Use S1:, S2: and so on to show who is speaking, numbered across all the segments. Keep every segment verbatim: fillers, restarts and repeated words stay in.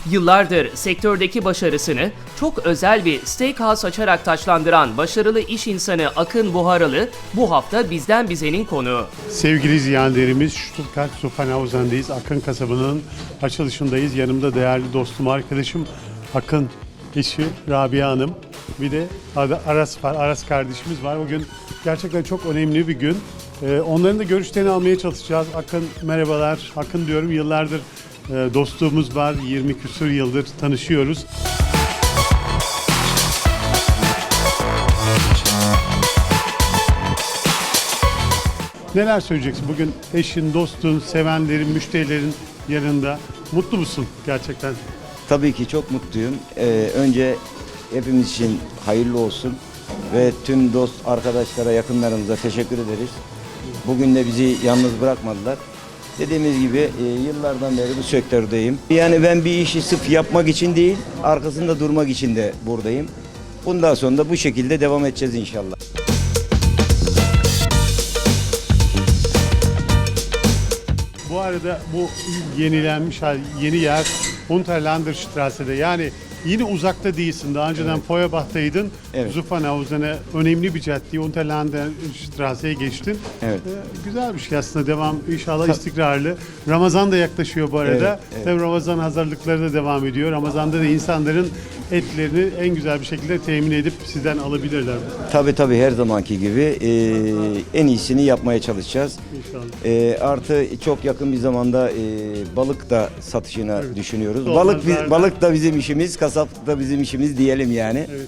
S1: Yıllardır sektördeki başarısını çok özel bir steakhouse açarak taçlandıran başarılı iş insanı Akın Buharalı bu hafta Bizden Bize'nin konuğu.
S2: Sevgili izleyenlerimiz, Stuttgart Zuffenhausen'deyiz. Akın kasabının açılışındayız. Yanımda değerli dostum, arkadaşım Akın eşi Rabia Hanım. Bir de Aras var, Aras kardeşimiz var. Bugün gerçekten çok önemli bir gün. Ee, onların da görüşlerini almaya çalışacağız. Akın merhabalar. Akın diyorum, yıllardır e, dostluğumuz var. yirmi küsur yıldır tanışıyoruz. Neler söyleyeceksin? Bugün eşin, dostun, sevenlerin, müşterilerin yanında. Mutlu musun gerçekten?
S3: Tabii ki çok mutluyum. Ee, önce hepimiz için hayırlı olsun ve tüm dost arkadaşlara, yakınlarımıza teşekkür ederiz. Bugün de bizi yalnız bırakmadılar. Dediğimiz gibi e, yıllardan beri bu sektördeyim. Yani ben bir işi sırf yapmak için değil, arkasında durmak için de buradayım. Bundan sonra da bu şekilde devam edeceğiz inşallah.
S2: Bu arada bu yenilenmiş hal, yeni yer Unterlanderstrasse'de, yani yine uzakta değilsin. Daha önceden evet. Feuerbach'taydın.
S3: Evet.
S2: Zuffenhausen'e önemli bir cadde Unterlanderstrasse'ye geçtin.
S3: Evet.
S2: Ee, güzel bir şey aslında, devam inşallah istikrarlı. Ramazan da yaklaşıyor bu arada.
S3: Evet, evet.
S2: Tabii Ramazan hazırlıkları da devam ediyor. Ramazan'da da insanların etlerini en güzel bir şekilde temin edip sizden alabilirler.
S3: Tabii tabii, her zamanki gibi e, en iyisini yapmaya çalışacağız.
S2: İnşallah.
S3: E, artı çok yakın bir zamanda e, balık da satışına evet. düşünüyoruz.
S2: Dolmazlar
S3: Balık
S2: da.
S3: balık da bizim işimiz, kasap da bizim işimiz diyelim yani.
S2: Evet.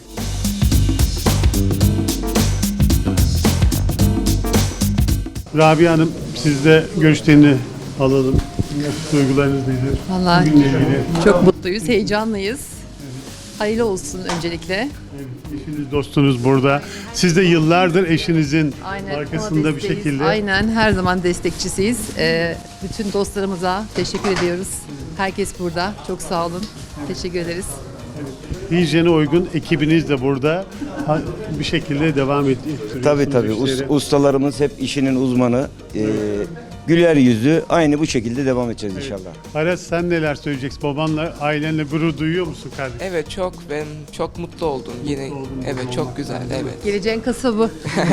S2: Rabia Hanım, siz de görüşlerini alalım. Duygularınız nedir?
S4: Vallahi
S2: Bugünle ilgili.
S4: çok mutluyuz, heyecanlıyız. Hayırlı olsun öncelikle.
S2: Evet, eşiniz, dostunuz burada. Siz de yıllardır eşinizin
S4: Aynen,
S2: arkasında
S4: ona
S2: bir
S4: desteğiz.
S2: şekilde.
S4: Aynen, her zaman destekçisiyiz. Ee, bütün dostlarımıza teşekkür ediyoruz. Herkes burada. Çok sağ olun. Teşekkür ederiz.
S2: Hijyene uygun ekibiniz de burada ha- bir şekilde devam et- ettiriyorsunuz.
S3: Tabii tabii, Us-
S2: işleri.
S3: ustalarımız hep işinin uzmanı. E, güler yüzü, aynı bu şekilde devam edeceğiz inşallah.
S2: Aras, sen neler söyleyeceksin? Babanla, ailenle gurur duyuyor musun kardeşim?
S5: Evet, çok ben çok mutlu oldum yine. Evet, çok güzel. Evet.
S4: Geleceğin kasabı.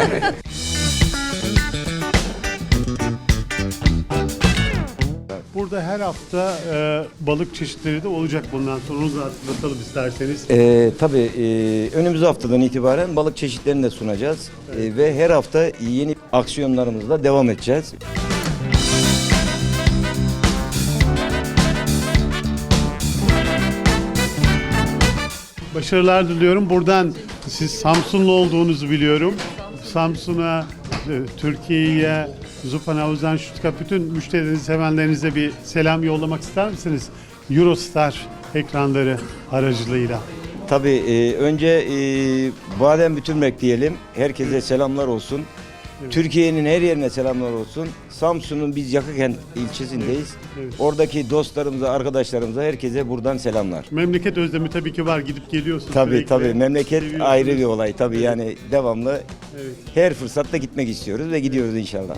S2: Burada her hafta e, balık çeşitleri de olacak bundan sonra. Onu da hatırlatalım isterseniz.
S3: E, tabii e, önümüz haftadan itibaren balık çeşitlerini de sunacağız. E, ve her hafta yeni aksiyonlarımızla devam edeceğiz.
S2: Başarılar diliyorum. Buradan siz Samsunlu olduğunuzu biliyorum. Samsun'a, e, Türkiye'ye, Zuffenhausen, Stuttgart, bütün müşterilerinize, sevenlerinize bir selam yollamak ister misiniz? Eurostar ekranları aracılığıyla.
S3: Tabii e, önce e, Badem Bütünmek diyelim. Herkese selamlar olsun.
S2: Evet.
S3: Türkiye'nin her yerine selamlar olsun. Samsun'un biz Yakıkent ilçesindeyiz.
S2: Evet, evet.
S3: Oradaki dostlarımıza, arkadaşlarımıza, herkese buradan selamlar.
S2: Memleket özlemi tabii ki var, gidip geliyorsun.
S3: Tabii
S2: sürekli.
S3: tabii, memleket
S2: Seviyorsunuz.
S3: ayrı bir olay tabii, yani devamlı
S2: Evet.
S3: her fırsatta gitmek istiyoruz ve gidiyoruz inşallah.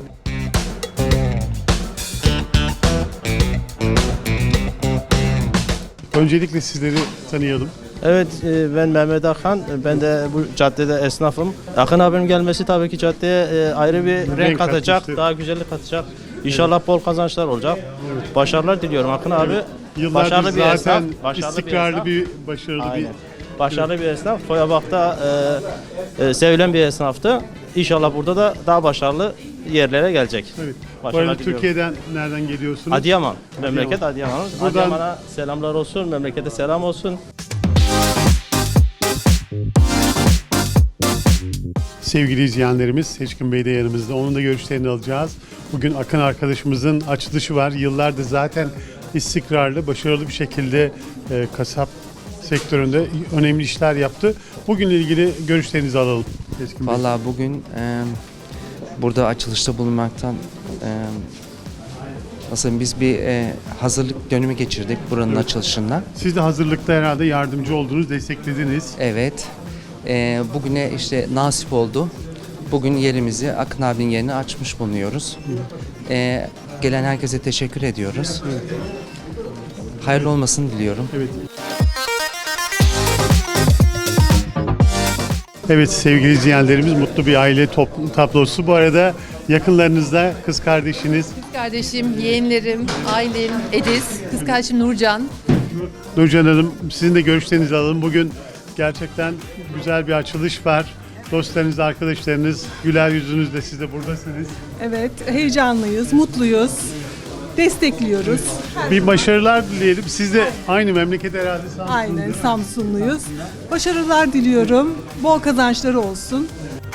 S2: Öncelikle sizleri tanıyalım.
S6: Evet, e, ben Mehmet Akhan. Ben de bu caddede esnafım. Akın abinin gelmesi tabii ki caddeye e, ayrı bir renk,
S2: Renk
S6: katacak,
S2: katmıştır.
S6: daha güzellik katacak. İnşallah bol kazançlar olacak. Başarılar diliyorum Akın abi.
S2: Yıllardır
S6: Başarılı bir esnaf,
S2: zaten
S6: başarılı
S2: istikrarlı
S6: bir esnaf.
S2: bir, başarılı
S6: Aynen.
S2: bir...
S6: Başarılı bir esnaf. Feuerbach'ta e, e, sevilen bir esnaftı. İnşallah burada da daha başarılı yerlere gelecek.
S2: Evet. Bu
S6: Başarılar
S2: arada
S6: diliyorum.
S2: Türkiye'den nereden geliyorsunuz?
S6: Adıyaman, memleket Adıyaman.
S2: Buradan-
S6: Adıyaman'a selamlar olsun, memlekete selam olsun.
S2: Sevgili izleyenlerimiz, Seçkin Bey de yanımızda. Onun da görüşlerini alacağız. Bugün Akın arkadaşımızın açılışı var. Yıllardır zaten istikrarlı, başarılı bir şekilde e, kasap sektöründe önemli işler yaptı. Bugünle ilgili görüşlerinizi alalım. Seçkin Bey.
S7: Vallahi bugün e, burada açılışta bulunmaktan e, nasıl biz bir e, hazırlık dönemi geçirdik buranın
S2: Evet.
S7: açılışında.
S2: Siz de hazırlıkta herhalde yardımcı oldunuz, desteklediniz.
S7: Evet. E, bugüne işte nasip oldu. Bugün yerimizi Akın abinin yerine açmış bulunuyoruz. E, gelen herkese teşekkür ediyoruz. hayırlı olmasını diliyorum.
S2: Evet. Evet sevgili izleyenlerimiz, mutlu bir aile top- tablosu. Bu arada yakınlarınızda kız kardeşiniz
S4: Kız kardeşim, yeğenlerim, ailem, Ediz, kız kardeşim Nurcan.
S2: Nurcan Hanım, sizin de görüşlerinizi alalım. Bugün gerçekten güzel bir açılış var. Dostlarınız, arkadaşlarınız, güler yüzünüzle siz de buradasınız.
S8: Evet, heyecanlıyız, mutluyuz, destekliyoruz.
S2: Bir başarılar dileyelim. Siz de aynı memleket herhalde Samsun'da.
S8: Aynen, Samsunluyuz. Başarılar diliyorum, bol kazançları olsun.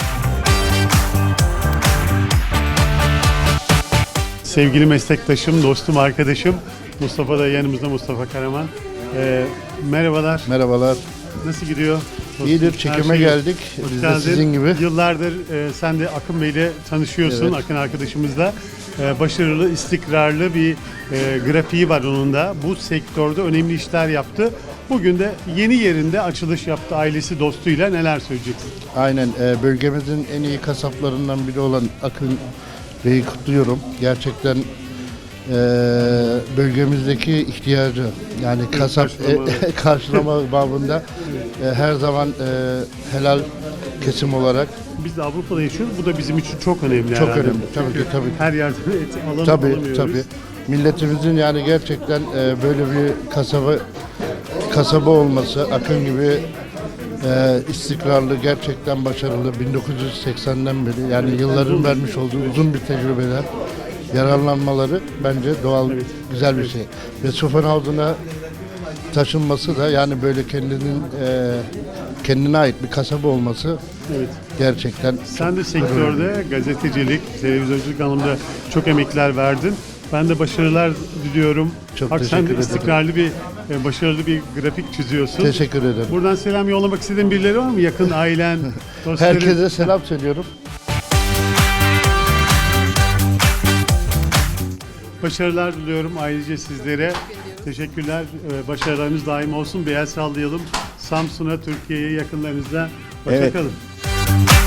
S2: Sevgili meslektaşım, dostum, arkadaşım Mustafa da yanımızda, Mustafa Karaman. Ee, merhabalar.
S9: Merhabalar.
S2: Nasıl gidiyor?
S9: İyidir,
S2: Her
S9: çekime
S2: şey-
S9: geldik.
S2: Hoş
S9: Biz de
S2: geldin.
S9: sizin gibi.
S2: Yıllardır e, sen de Akın Bey'le tanışıyorsun,
S9: Evet.
S2: Akın arkadaşımızla. E, başarılı, istikrarlı bir e, grafiği var onun da. Bu sektörde önemli işler yaptı. Bugün de yeni yerinde açılış yaptı ailesi, dostuyla. Neler söyleyeceksin?
S9: Aynen, e, bölgemizin en iyi kasaplarından biri olan Akın Bey'i kutluyorum. Gerçekten e, bölgemizdeki ihtiyacı, yani kasap
S2: karşılama.
S9: e, karşılama babında e, her zaman e, helal kesim olarak
S2: Biz de Avrupa'da yaşıyoruz. Bu da bizim için çok önemli
S9: çok
S2: herhalde.
S9: önemli. Tabii ki, tabii ki.
S2: Her yerden et alam-
S9: Tabii,
S2: alamıyoruz.
S9: tabii. Milletimizin yani gerçekten e, böyle bir kasaba kasaba olması, Akın gibi e, istikrarlı, gerçekten başarılı, bin dokuz yüz seksenden beri, yani yılların vermiş olduğu uzun bir tecrübeler, yararlanmaları bence doğal, güzel bir şey. Ve Zuffenhausen'a taşınması da, yani böyle kendinin e, kendine ait bir kasaba olması
S2: Evet.
S9: gerçekten
S2: Sen de sektörde gazetecilik, televizyonculuk anlamında çok emekler verdin. Ben de başarılar diliyorum.
S9: Çok
S2: Bak sen
S9: teşekkür
S2: de
S9: ederim.
S2: istikrarlı bir, e, başarılı bir grafik çiziyorsun.
S9: teşekkür ederim.
S2: Buradan selam yollamak istediğin birileri var mı? Yakın ailen, dostların.
S9: Herkese selam söylüyorum.
S2: Başarılar diliyorum ayrıca sizlere. Teşekkürler. Ee, Başarılarınız daim olsun. Bir el sallayalım. Samsun'a, Türkiye'ye, yakınlarınızda. Hoşça
S3: Evet.
S2: kalın.